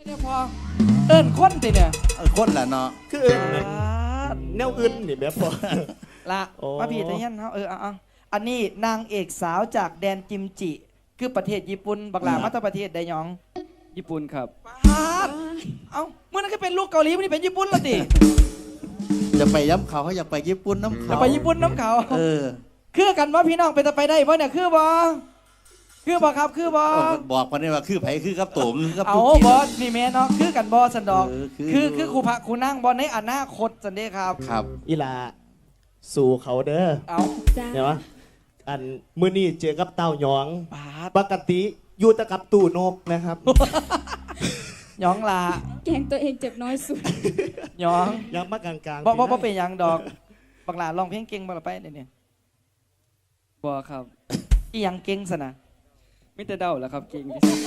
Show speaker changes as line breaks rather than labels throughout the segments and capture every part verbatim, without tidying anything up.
เดี๋ยวพอเอิ้นคนติเนี่ย
เออคนละเนาะ
คืออื่นนั่นแนวอื่นนี่แบบพอ
ละ
โอ้
มาพี่ตะเฮียนเฮาเออเอาๆอันนี้นางเอกสาวจากแดนกิมจิ คือประเทศญี่ปุ่นบักหลามาจากประเทศใดหยอง
ญี่ปุ่นครับ
ปาดเอ้าเมื่อนั้นก็เป็นลูกเกาหลีวันนี้เป็นญี่ปุ่นแล้วติ
จะไปย้ำเขาเขาอยากไปญี่ปุ่นน้ำ
จะ
เขา
ไปญี่ปุ่นน้ำเขา
เออ
คือกันว่าพี่น้องเป็นจะไปได้บ่เนี่ยคือบ่คือบ่ครับคือบ่
บอกมาเนี่ยว่าคือไผคือกับตุ่มคือกับ
เอา
ตุ๊กกี้
บอสนี่แม่เนาะคือกันบอสันดอก
เออคือ
คือคือครูพระครูนั่งบอลในอนาคตสันเดครับ
ครับ
อีลาสู่เขาเด้อ
เอา
จ้า
เห็นไหมอันมื้อนี้เจอกับเต้าหยอง
ปาด
ปกติอยู่แตะกับตู่นกนะครับ
หยองลา
แกงตัวเองเจ็บน้อยสุด
หยอง
ยังมากลางๆ
บ่บ่บ่
พี่
เป็นหยังดอกบักหลาร้องเพลงเก่งบ่ละไปเดี๋ยวนี้
บอครับ
อีหยังเก่งสนะ
มิแต่เดาแหล้วครับเก่งที่สุด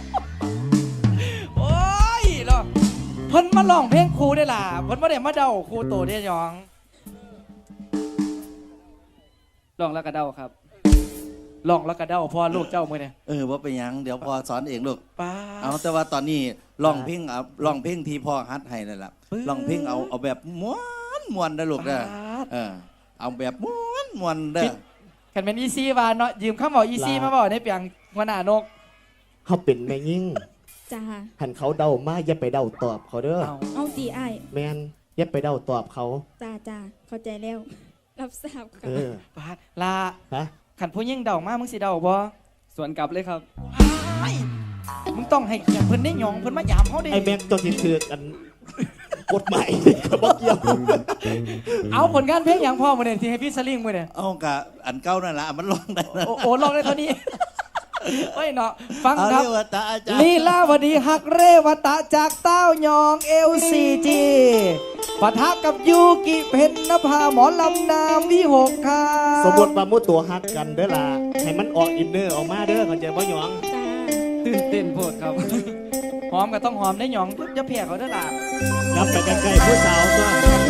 โอ้ยเหรอเพิ่นมาร้องเพลงครูได้ล่ะเพิ่นบ่ได้มาเดาครูโตได้หยอง
ลองแล้วก็เดาครับ
ร้องแล้วก็เดาพ่อลูกเจ้ามื้อเนี่ย
เออว่าเป็นหยังเดี๋ยวพอสอนเองลูก
ป้าด
เอาแต่ว่าตอนนี้ลองเพลงเอาลองเพลงที่พ่อฮัดให้นั่นแหละ
ปึ๊บ
ลองเพลงเอาเอาแบบม้วนม้วนได้อลูกเด้อ
ปาด
เออเอาแบบม้วนม้วนเด้อ
คันเป็นอีซี่ว่าเนาะยืมคำบอกอีซี่มาบอกในเปียงหัวหน้านก
เขาเป็นแม่ยิ่ง
จ้า
หันเขาเดามาอย่าไปเดาตอบเขาเด้อ
เอา
เอาตีไอ้าย
แมนอย่าไปเดาตอบเขา
จ้าจ้าเข้าใจแล้ว รับทราบค่ะ
เออ
ปาดลา
ฮะ
ขันผู้ยิ่งเดามามึงสิเดาบ่
สวนกลับเลยครับ
ไอ้มึงต้องให้เกียรติเพิ่นได้หยองเพิ่นมายามเขาดิ
ไอ้แม็กตัวที่ถือกันกฎหมายก็บอกเกี่ยว
เอาผลงานเพลงอย่างพ่อมาเนี่ยที่ให้พี่สลิงมาเนี่ย
เอากะอันเก้านั่นละมันลองได้นะ
โอ้โอ้ลองได้เท่านี้ เฮ้ยเนาะฟัง
เอา
ครับ
เรียกว่าตาอาจารย์
ลีลาวดีฮักเรวตะจากเต้ายองเอลซีจีปะทะกับยูกิเพนนภาหมอลำนามวิหกค่ะ
สมมติว่ามุดตัวฮักกันเด้อล่ะให้มันออกอินเนอร์ออกมาเด้อเข้าใจบ่หยอง
จ้า
ตื่นเต้นโพดครับ
หอมก็ต้องหอมได้หยองจะเพียเขาเด้อล่ะ
นับไปใกล้ๆผู้สาวตัว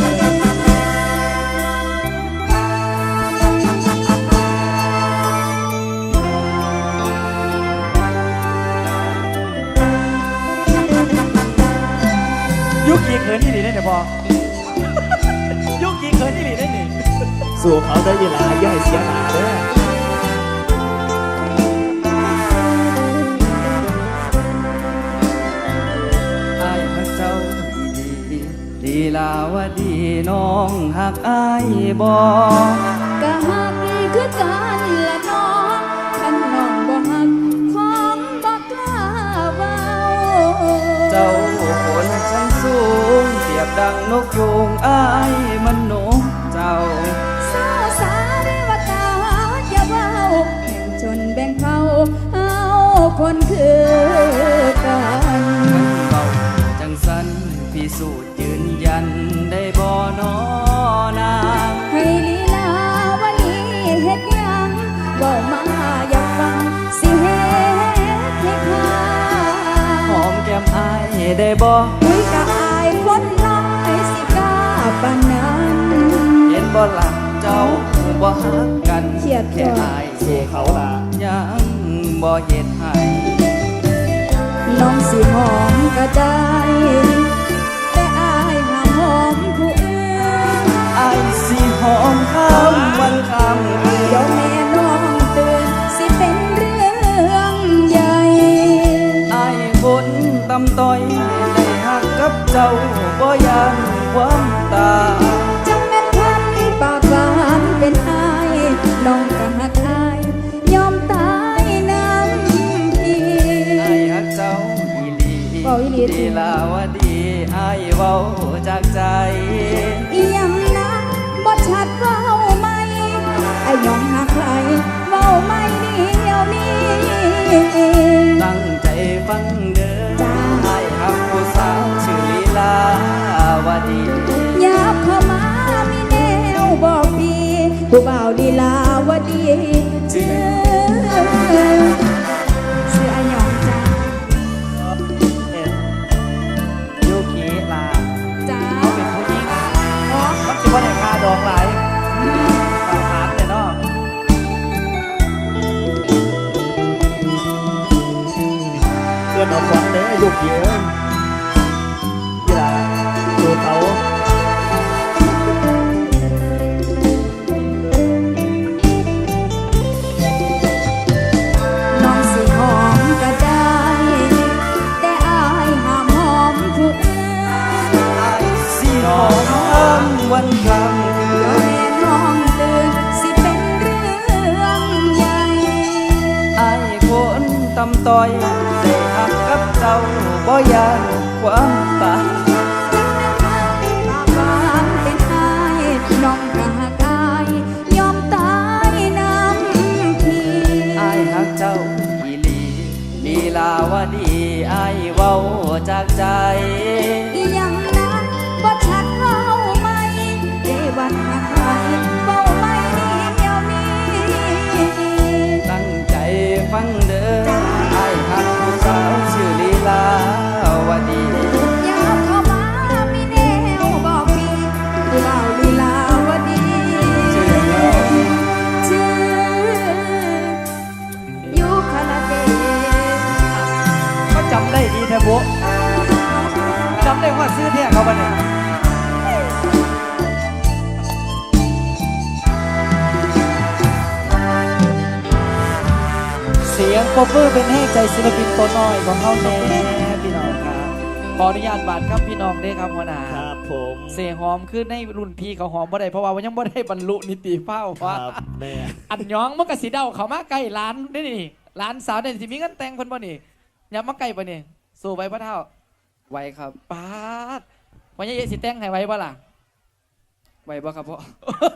ยุกิเขินที่ดีได้เนี่ยพอ ยุกิเขินที่ดีได้เนี่ย
สู่เขาได้ยีหลาอย่าให้เสียหนาเด้อ
อายฮักเจ้าดีดีลีลาวดีน้องหักอายบอ
ก็หักคือกันละน้องคันน้องบ่หักของบ่กล้าเว้า
เจ้าคนชั้นสูงเปรียบดังนกยูงอายมันนกเจ้า
สาวสาเรวตาอย่าเว้าแบ่งจนแบ่งเขาเอาคนคือกัน
ขันเบาจังสันพิสูจน์ยืนยันได้บ่นอนาง
ให้ลีลาวลีเฮ็ดหยังเว้ามาอยากฟังสิเฮ็ดให้ค่า
หอมแก้มอายได้บ่
คุยกับอายคนน้อยสิกล้าปานนั้น
เห็นบ่หลักเจ้าบ่ฮักกัน
เครียด
แค่
จ้ะ
อาย
สู่เขาล่ะ
ยังบ่เฮ็ดให้
น้องสิหอมก็ได้แต่อายห้ามหอมผู้อื่น
อายสิหอมข้ามวันข้ามคืน
เดี๋ยวแม่น้องตื่นสิเป็นเรื่องใหญ่
อายคนตำต้อยได้หักกับเจ้าบ่ยานความตาย
จังแม่นพันปากหวานเป็นอายน้องก็หักอายยอมตายน้ำพี่
อายฮักเจ้าอีหลี
เว้าอีหลีติ
ดีลาวดีอายเว้าจากใจ
อีหยังนะบ่ชัดเว้าไหมไอ้ยองหักใครเว้าไม่เดียวนี้
ตั้งใจฟังเด้อ
จ้า
อายฮักผู้สาวชื่อลีลาวดี
อยากเข้ามามีแนวบอกพี่ผู้บ่าวลีลาวดีชื่อชื่อไอ้ยองจ้า
เอ็ดยูกิลา
จ้า
เขาเป็นผู้หญิง
อ๋อ
มันสิว่าได้ค่าดอกหลายตามหาแต่เนาะ
เพื่อนเอาฟังเด้อยุกเยอะ
ายคนตำต้อยได้หักกับเจ้าบ่ยานความตาย
บางเป็นอายน้องกะหักอายยอมตายน้ำพี่
อายหักเจ้าอีหลีลีลาวดีอายเว้าจากใจ
อีหยังนั้นบ่ชัดเว้าไหมเดวันหักใครเว้าไหมเดี๋ยวนี้
ตั้งใจฟังเด้ออายหักผู้สาวชื่อลีลาวดี
อยากเข้ามามีแนวบอกพี่ผู้เบาลีลาวดี
ชื่อน้อง
ชื่อยุคลเดช
ก็จำได้ดีแท้บุ๊จำได้ว่าซื้อเนี่ยเขาปะเนี่ยเสียงปรบมือเป็นให้ใจศิลปินตัวน้อยของเขาแน่พี่น้องครับขออนุญาตบาดครับพี่น้องได้ครับหัวหน้า
ครับผม
เสียงหอมขึ้นในรุ่นพี่เขาหอมบ่ได้เพราะว่ายังบ่ได้บรรลุนิติภาว
ค
ว่า
รับแม่
อันย้องมันก็สีเดาเขามาใกล้ร้านได้นี่ร้านสาวเนี่ยสิมีเงินแต่งเพิ่นบ่นี่อย่ามาใกล้ปะนี่สู้ไปบ่เท่า
ไว้ครับ
ปาดวันนี้สิแต่งให้ไว้บ่ล่ะ
ไว้บ่ครับพ่อ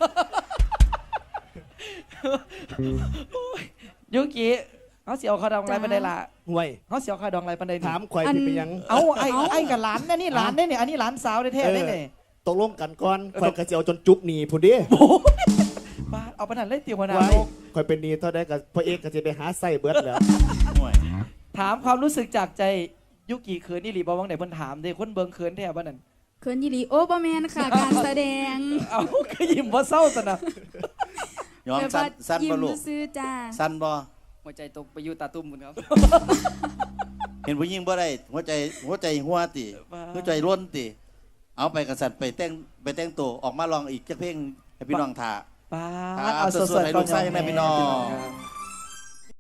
ยุกิเขาเสียวข้าวดองอะไรปานใดล่ะ
ห่วย
เขาเสียวข้าวดองอะไรปานใดนี่
ถามข่อยที่เป็นหยัง
เอาไอ้ไอ้กับหลานนะนี่หลานได้นี่อันนี้หลานสาวได้แท้ได้นี่
ตกลงกันก่อนข่อยก็สิเอาจนจุกหนีพุ่นเดิ
โอ้ยปาดเอาปานนั้นเลยติหัวหน้า
ไว้
ลูก
ข่อยเป็นหนีเท่าใดก็พ่อเอกก็สิไปหาไส้เบิดแล้ว
ห่วย
ถามความรู้สึกจากใจยุกิเขินนี่หลีบ่วังไหนเพิ่นถามเด้คนเบิ่งเขินแท้บ่นั่น
เขินยี่หลีโอ้บ่แมนค่ะ การแสดง
เอาก็ยิ้มบ่เศร้าซะนะ
ยอมสั้นสั้น
ยิ้
บ่
ม
ลูก
ซื่อๆจ้า
สั้นบ่
หัวใจตกไปอยู่ตาตุ้มหมดครับ
เห็นผู้หญิงบ่ได้หัวใจหัวใจหัวติหัวใจล้นติเอาไปกระสันไปแต่งไปแต่งตัวออกมาลองอีกจักเพลงให้พี่น้องท่า
ป้า
ครับ
เอาส
ส
ด
ดๆให้
ๆ
ลูกไส้ให้แม่พี่น้อง
ครับ